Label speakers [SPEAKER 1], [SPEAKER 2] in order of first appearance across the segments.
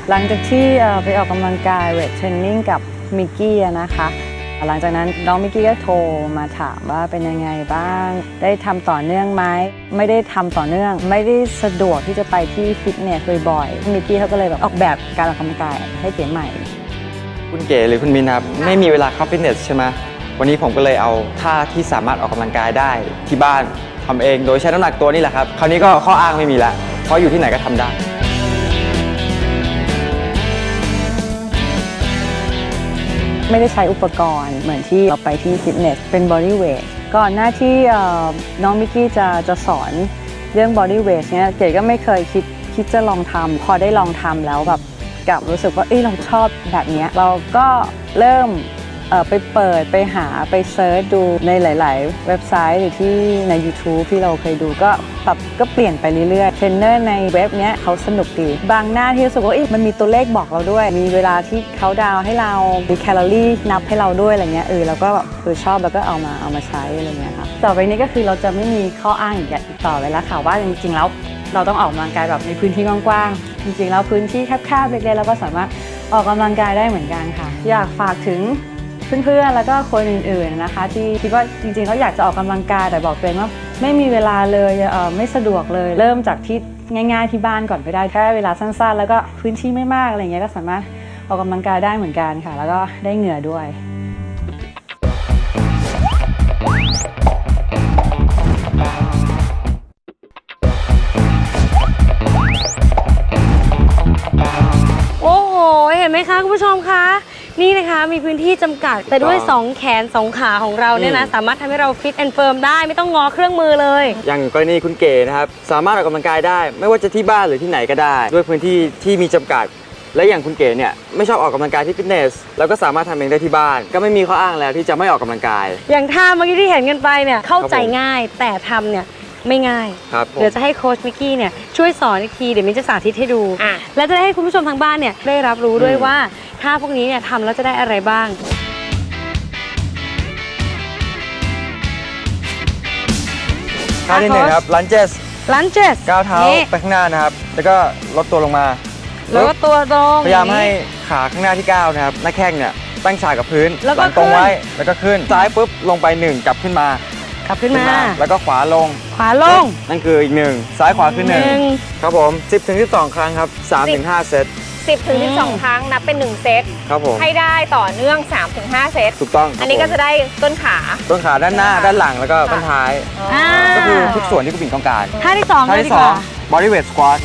[SPEAKER 1] หลังจากที่ไปออกกำลังกายเวทเทรนนิ่งกับมิกกี้นะคะหลังจากนั้นน้องมิกกี้ก็โทรมาถามว่าเป็นยังไงบ้างได้ทำต่อเนื่องไหมไม่ได้ทำต่อเนื่องไม่ได้สะดวกที่จะไปที่ฟิตเนสบ่อยๆมิกกี้เขาก็เลยแบบออกแบบการออกกำลังกายให้เก๋ใหม่
[SPEAKER 2] คุณเก๋หรือคุณมินครับไม่มีเวลาเข้าฟิตเนสใช่ไหมวันนี้ผมก็เลยเอาท่าที่สามารถออกกำลังกายได้ที่บ้านทำเองโดยใช้น้ำหนักตัวนี่แหละครับคราวนี้ก็ข้ออ้างไม่มีละเพราะอยู่ที่ไหนก็ทำได้
[SPEAKER 1] ไม่ได้ใช้อุปกรณ์เหมือนที่เราไปที่ฟิตเนสเป็นบอดี้เวทก่อนหน้าที่น้องมิกกี้จะสอนเรื่องบอดี้เวทเนี่ยเก๋ก็ไม่เคยคิดจะลองทำพอได้ลองทำแล้วแบบกลับรู้สึกว่าเราชอบแบบนี้เราก็เริ่มไปเปิดไปหาไปเซิร์ชดูในหลายๆเว็บไซต์หรือที่ใน YouTube ที่เราเคยดูก็เปลี่ยนไปเรื่อยๆเทรนเนอร์ในเว็บเนี้ยเขาสนุกดีบางหน้าที่รู้สึกว่ามันมีตัวเลขบอกเราด้วยมีเวลาที่เขาดาวให้เรามีแคลอรี่นับให้เราด้วยอะไรเงี้ยเราก็แบบชอบแล้วก็เอามาใช้อะไรเงี้ยค่ะต่อไปนี้ก็คือเราจะไม่มีข้ออ้างอีกต่อไปแล้วค่ะว่าจริงๆแล้วเราต้องออกกำลังกายแบบในพื้นที่กว้างๆจริงๆแล้วพื้นที่แคบๆเล็กๆเราก็สามารถออกกำลังกายได้เหมือนกันค่ะอยากฝากถึงเพื่อนๆแล้วก็คนอื่นๆนะคะที่คิดว่าจริงๆเขาอยากจะออกกำลังกายแต่บอกตัวเองว่าไม่มีเวลาเลยไม่สะดวกเลยเริ่มจากที่ง่ายๆที่บ้านก่อนก็ได้แค่เวลาสั้นๆแล้วก็พื้นที่ไม่มากอะไรเงี้ยก็สามารถออกกำลังกายได้เหมือนกันค่ะแล้วก็ได้เหงื่อด้วย
[SPEAKER 3] โอ้โหเห็นไหมคะคุณผู้ชมคะนี่นะคะมีพื้นที่จำกัดแต่ด้วย2แขน2ขาของเราเนี่ยนะสามารถทำให้เราฟิตแอนด์เฟิร์มได้ไม่ต้องงอเครื่องมือเลย
[SPEAKER 2] อย่างกรณีคุณเก๋นะครับสามารถออกกำลังกายได้ไม่ว่าจะที่บ้านหรือที่ไหนก็ได้ด้วยพื้นที่ที่มีจำกัดและอย่างคุณเก๋เนี่ยไม่ชอบออกกำลังกายที่ฟิตเนสแล้วก็สามารถทำเองได้ที่บ้านก็ไม่มีข้ออ้างแล้วที่จะไม่ออกกำลังกาย
[SPEAKER 3] อย่างท่าเมื่อกี้ที่เห็นกันไปเนี่ยเข้าใจง่ายแต่ทำเนี่ยไม่ง่ายเดี๋ยวจะให้โค้ชมิกกี้เนี่ยช่วยสอนอีกทีเดี๋ยวมิ้นจะสาธิตให้ดูและจะได้ให้คุณผู้ชมทางบ้านเนี่ยได้รับรู้ด้วยว่าท่าพวกนี้เนี่ยทำแล้วจะได้อะไรบ้าง
[SPEAKER 2] ท่าที่1ครับลันเจสก้าวเท้าไปข้างหน้านะครับแล้วก็ลดตัวลงมา
[SPEAKER 3] แล้วก็ตัวตรง
[SPEAKER 2] พยายามให้ขาข้างหน้าที่ก้าวนะครับหน้าแข้งเนี่ยตั้งฉากกับพื้นหลังตรงไว้แล้วก็ขึ้นซ้ายปุ๊บลงไป1กลับขึ้นมาแล้วก็ขวาลงนั่นคืออีก1ซ้ายขวาขึ้น1ครับผม 10-12 ครั้งครับ 3-5 เซต
[SPEAKER 4] 10-12 ครั้งนับเป็น1เซต
[SPEAKER 2] ครับผม
[SPEAKER 4] ให้ได้ต่อเนื่อง 3-5 เซต
[SPEAKER 2] ถูกต้อง
[SPEAKER 4] อันนี้ก็จะได้ต้นขา
[SPEAKER 2] ด้านหน้าด้านหลังแล้วก็ด้านท้ายก็คือทุกส่วนที่คุณบิ่งต้องการ
[SPEAKER 3] ท่าที่2
[SPEAKER 2] body weight squat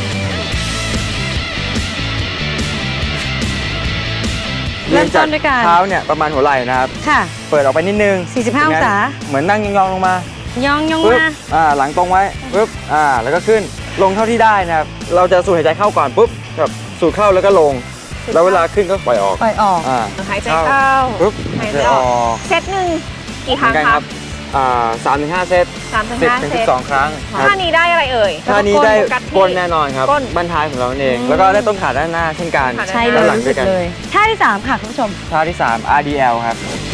[SPEAKER 2] เริ่มจากเท้าเนี่ยประมาณหัวไหล่นะครับเปิดออกไปนิดนึง
[SPEAKER 3] 45 องศา
[SPEAKER 2] เหมือนนั่งยองๆลงมาย
[SPEAKER 3] อง
[SPEAKER 2] มาหลังตรงไว้ปุ๊บแล้วก็ขึ้นลงเท่าที่ได้นะครับเราจะสูดหายใจเข้าก่อนปุ๊บแบบสูดเข้าแล้วก็ลงแล้วเวลาขึ้นก็ปล่อยออก
[SPEAKER 4] หายใจเข้า
[SPEAKER 2] ปุ๊บหายใจออก
[SPEAKER 4] เซตหนึ่งกี่ครั้งครับ
[SPEAKER 2] 3-5 เซต10-12 ครั้ง
[SPEAKER 4] ท่านี้ได้อะไรเอ่ย
[SPEAKER 2] ท่านี้ได้ก้นแน่นอนครับบั้นท้ายของเราเองแล้วก็ได้ต้นขาด้านหน้าเช่นกัน
[SPEAKER 3] ใช่เลยท่าที่3ค่ะคุณผู้ชม
[SPEAKER 2] ท่าที่3 RDL ครับ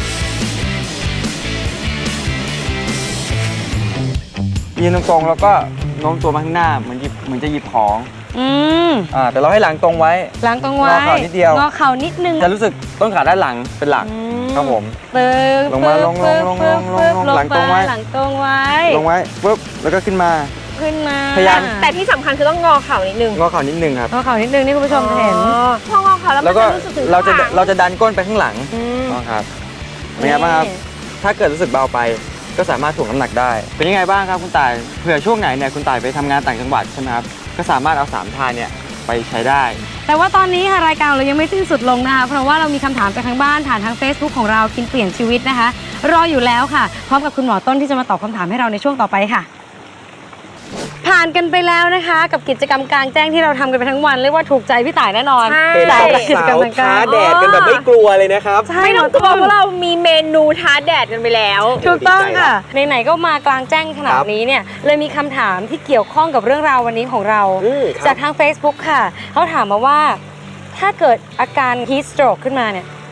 [SPEAKER 2] ยืนตรงๆแล้วก็โน้มตัวมาข้างหน้าเหมือนจะหยิบของแต่เราให้หลังตรงไว้
[SPEAKER 3] งอเข่านิด
[SPEAKER 2] เดียว
[SPEAKER 3] งอเข่านิดนึง
[SPEAKER 2] จะรู้สึกต้นขาด้านหลังเป็นหลักครับผมลงมาลงหลังตรงไว้ลงไว้ปุ๊บแล้วก็ขึ้นมาพยายาม
[SPEAKER 4] แต่ที่สำคัญคือต้องงอเข่านิดนึง
[SPEAKER 2] งอเข่านิดนึงครับ
[SPEAKER 3] งอเข่านิดนึงนี่คุณผู้ชมจะเห็น
[SPEAKER 4] พองอเข่าแล้วมันจะรู้สึกถึง
[SPEAKER 2] เราจะดันก้นไปข้างหลังครับเป็นไงบ้างครับถ้าเกิดรู้สึกเบาไปก็สามารถถ่วงน้ำหนักได้เป็นยังไงบ้างครับคุณต่ายเผื่อช่วงไหนเนี่ยคุณต่ายไปทำงานต่างจังหวัดใช่ไหมครับก็สามารถเอา3 ท่าเนี่ยไปใช้ได้
[SPEAKER 3] แต่ว่าตอนนี้ค่ะรายการเรายังไม่สิ้นสุดลงนะคะเพราะว่าเรามีคำถามจากทางบ้านผ่านทาง Facebook ของเรากินเปลี่ยนชีวิตนะคะรออยู่แล้วค่ะพร้อมกับคุณหมอต้นที่จะมาตอบคำถามให้เราในช่วงต่อไปค่ะผ่านกันไปแล้วนะคะกับกิจกรรมกลางแจ้งที่เราทำกันไปทั้งวันเรียกว่าถูกใจพี่ต่ายแน่นอน
[SPEAKER 2] เป็นกิจกรรมท้าแดดกันแบบไม่กลัวเลยนะครับ
[SPEAKER 4] ไม่ต้องกลัวเพราะเรามีเมนูท้าแดดกันไปแล้ว
[SPEAKER 3] ถูกต้องค่ะไหนๆก็มากลางแจ้งขนาดนี้เนี่ยเลยมีคำถามที่เกี่ยวข้องกับเรื่องราววันนี้ของเราจากทาง Facebook ค่ะเขาถามมาว่าถ้าเกิดอาการ heat stroke ขึ้นมาเนี่ย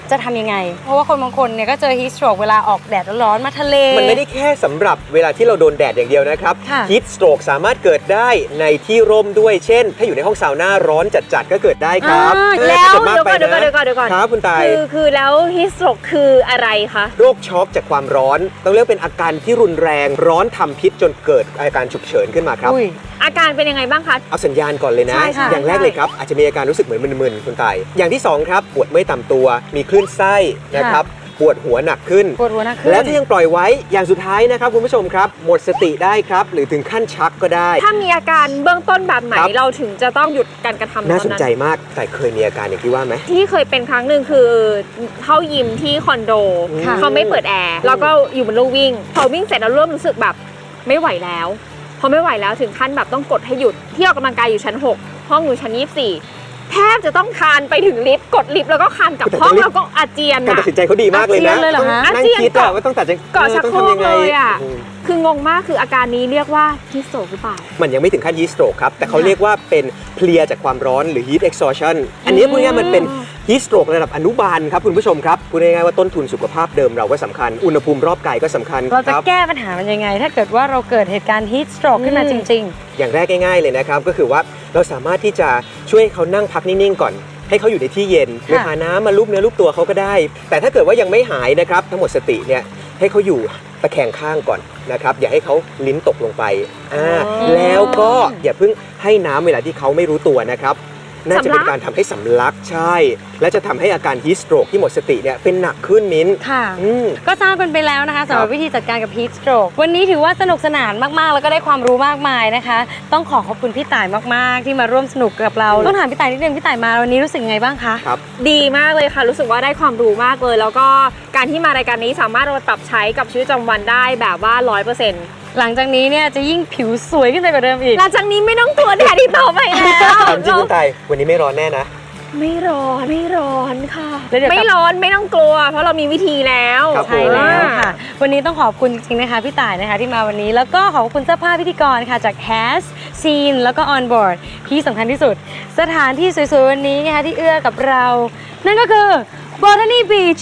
[SPEAKER 3] จะทำยังไง เพราะว่าคนบางคนเนี่ยก็เจอ heat stroke เวลาออกแดดร้อนๆมาทะเล
[SPEAKER 5] มันไม่ได้แค่สำหรับเวลาที่เราโดนแดดอย่างเดียวนะครับ
[SPEAKER 3] ค่ะ
[SPEAKER 5] ฮีทสโตรกสามารถเกิดได้ในที่ร่มด้วยเช่น ถ้าอยู่ในห้องซาวน่าร้อนจัดๆก็เกิดได้ครับ
[SPEAKER 4] แล้ว
[SPEAKER 5] ถ้ากิมากไป
[SPEAKER 4] เดี๋ยวก่อน
[SPEAKER 5] ครับคุณตาย
[SPEAKER 4] คือแล้วฮิสโตรกคืออะไรคะ
[SPEAKER 5] โรคช็อกจากความร้อน ต้องเรียกเป็นอาการที่รุนแรงร้อนทำพิษจนเกิดอาการฉุกเฉินขึ้นมาครับ
[SPEAKER 3] อุ้ย
[SPEAKER 4] อาการเป็นยังไงบ้างคะ
[SPEAKER 5] เอาสัญญาณก่อนเลยนะ
[SPEAKER 4] ใช่ค่ะ
[SPEAKER 5] อย่างแรกเลยครับ อาจจะมีอาการรู้สึกเหมือนมึนๆคุณตาย อย่างที่2ครับปวดเมื่อยตามตัว มีคลื่นไส้นะครับปวดหัวหนักขึ้น
[SPEAKER 3] ปวดหัวหนักขึ้น
[SPEAKER 5] แล้วถ้ายังปล่อยไว้อย่างสุดท้ายนะครับคุณผู้ชมครับ หมดสติได้ครับ หรือถึงขั้นชักก็ได้
[SPEAKER 4] ถ้ามีอาการเบื้องต้นแบบไหน
[SPEAKER 5] ครับ
[SPEAKER 4] เราถึงจะต้องหยุดการกระทำ
[SPEAKER 5] น่าสนใจ
[SPEAKER 4] ตอ
[SPEAKER 5] มากแต่เคยมีอาการอย่างที่ว่าไหม
[SPEAKER 4] ที่เคยเป็นครั้งหนึ่งคือเข้ายิมที่คอนโด
[SPEAKER 3] ค่ะ
[SPEAKER 4] เขาไม่เปิดแอร์แล้วก็อยู่บนลู่วิ่ง พอวิ่งเสร็จแล้วเริ่มรู้สึกแบบไม่ไหวแล้ว พอไม่ไหวแล้วถึงขั้นแบบต้องกดให้หยุดที่ออกกำลังกายอยู่ชั้น 6 ห้องอยู่ชั้น 24 แทบจะต้องคานไปถึงลิฟต์กดลิฟต์แล้วก็คานกลับห้องแล้วก็อาเจียน
[SPEAKER 5] การ
[SPEAKER 4] อะ
[SPEAKER 5] ตัดสินใจเขาดีมากเลยนะ
[SPEAKER 3] อาเจียนเลยเหรอฮะ
[SPEAKER 5] ต้องนั่งคิดอะว่าต้องตัดใจ
[SPEAKER 4] เกาะชักโคร
[SPEAKER 5] ต้อง
[SPEAKER 4] ก
[SPEAKER 5] ทำยังไง
[SPEAKER 4] เลยอ่ะ
[SPEAKER 5] อืม
[SPEAKER 4] คืองงมากคืออาการนี้เรียกว่าฮิสโตรกหรือเปล่า
[SPEAKER 5] มันยังไม่ถึงขั้น heat stroke ครับ แต่เขาเรียกว่าเป็นเพลียจากความร้อนหรือ heat exhaustion อันนี้พูดง่ายๆมันเป็น heat stroke ระดับอนุบาลครับคุณผู้ชมครับพูดง่ายๆว่าต้นทุนสุขภาพเดิมเราก็สำคัญ อุณหภูมิรอบกายก็สำคัญ
[SPEAKER 3] เราจะ
[SPEAKER 5] ครับ
[SPEAKER 3] แก้ปัญหามันยังไง ถ้าเกิดว่าเราเกิดเหตุการณ์ heat stroke ขึ้นมาจริง
[SPEAKER 5] อย่างแรกง่ายๆเลยนะครับก็คือว่าเราสามารถที่จะช่วยให้เขานั่งพักนิ่งๆก่อน ให้เขาอยู่ในที่เย็นหรือหาน้ำมาลูบเนื้อลูบตัวเขาก็ได้ แต่ถ้าเกิดว่ายังไม่หายนะครับทั้งหมดสติเนี่ยให้เขาอยู่ตะแคงข้างก่อนนะครับอย่าให้เขาลิ้นตกลงไปแล้วก็อย่าเพิ่งให้น้ำเวลาที่เขาไม่รู้ตัวนะครับน่าจะเป็นการทำให้สำลักใช่ และจะทำให้อาการ heat stroke ที่หมดสติเนี่ยเป็นหนักขึ้นมิ้น
[SPEAKER 3] ๆ ค่ะ
[SPEAKER 5] อืม
[SPEAKER 3] ก็ทราบกันไปแล้วนะคะสำหรับวิธีจัดการกับ heat stroke วันนี้ถือว่าสนุกสนานมากๆ แล้วก็ได้ความรู้มากมายนะคะ ต้องขอขอบคุณพี่ต่ายมากๆ ที่มาร่วมสนุกกับเรา ต้องถามพี่ต่ายนิดนึงพี่ต่ายมาวันนี้รู้สึกไงบ้างคะ
[SPEAKER 4] ดีมากเลยค่ะ รู้สึกว่าได้ความรู้มากเลย แล้วก็การที่มารายการนี้สามารถเอามาปรับใช้กับชีวิตประจำวันได้แบบว่า 100%
[SPEAKER 3] หลังจากนี้เนี่ยจะยิ่งผิวสวยขึ้นไปกว่าเดิมอีก
[SPEAKER 4] หลังจากนี้ไม่ต้องกลัวแดดอีกต่อไปแล้ว
[SPEAKER 5] ถามจริงคุณไทยวันนี้ไม่ร้อนแน่นะ
[SPEAKER 4] ไม่ร้อนค่ะ
[SPEAKER 3] แล้วเดี๋ยวกลับ
[SPEAKER 4] ไม่ร้อนไม่ต้องกลัว เพราะเรามีวิธีแล้ว
[SPEAKER 5] ครับ
[SPEAKER 3] ใช่แล้วค่ะ วันนี้ต้องขอบคุณจริงๆนะคะพี่ต่ายนะคะที่มาวันนี้ แล้วก็ขอบคุณเสื้อผ้าพิธีกรค่ะจาก Has Scene แล้วก็ On Board ที่สำคัญที่สุด สถานที่สวยๆวันนี้นะคะที่เอื้อกับเรา นั่นก็คือ Botany Beach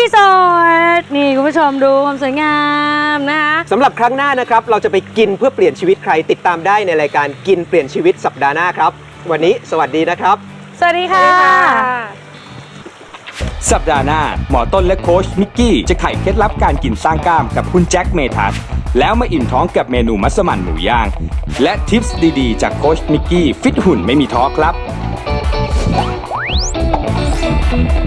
[SPEAKER 3] Resort นี่คุณผู้ชมดูความสวยงามนะคะ
[SPEAKER 5] สำหรับครั้งหน้านะครับเราจะไปกินเพื่อเปลี่ยนชีวิตใครติดตามได้ในรายการกินเปลี่ยนชีวิตสัปดาห์หน้าครับวันนี้สวัสดีนะครับ
[SPEAKER 3] สวัสดีค่ะ
[SPEAKER 6] สัปดาห์หน้าหมอต้นและโค้ชนิกกี้จะไขเคล็ดลับการกินสร้างกล้ามกับคุณแจ็คเมทัศน์แล้วมาอิ่มท้องกับเมนูมัสมั่นหมูย่าง และทิปส์ดีๆจากโค้ชนิกกี้ฟิตหุ่นไม่มีท้อครับ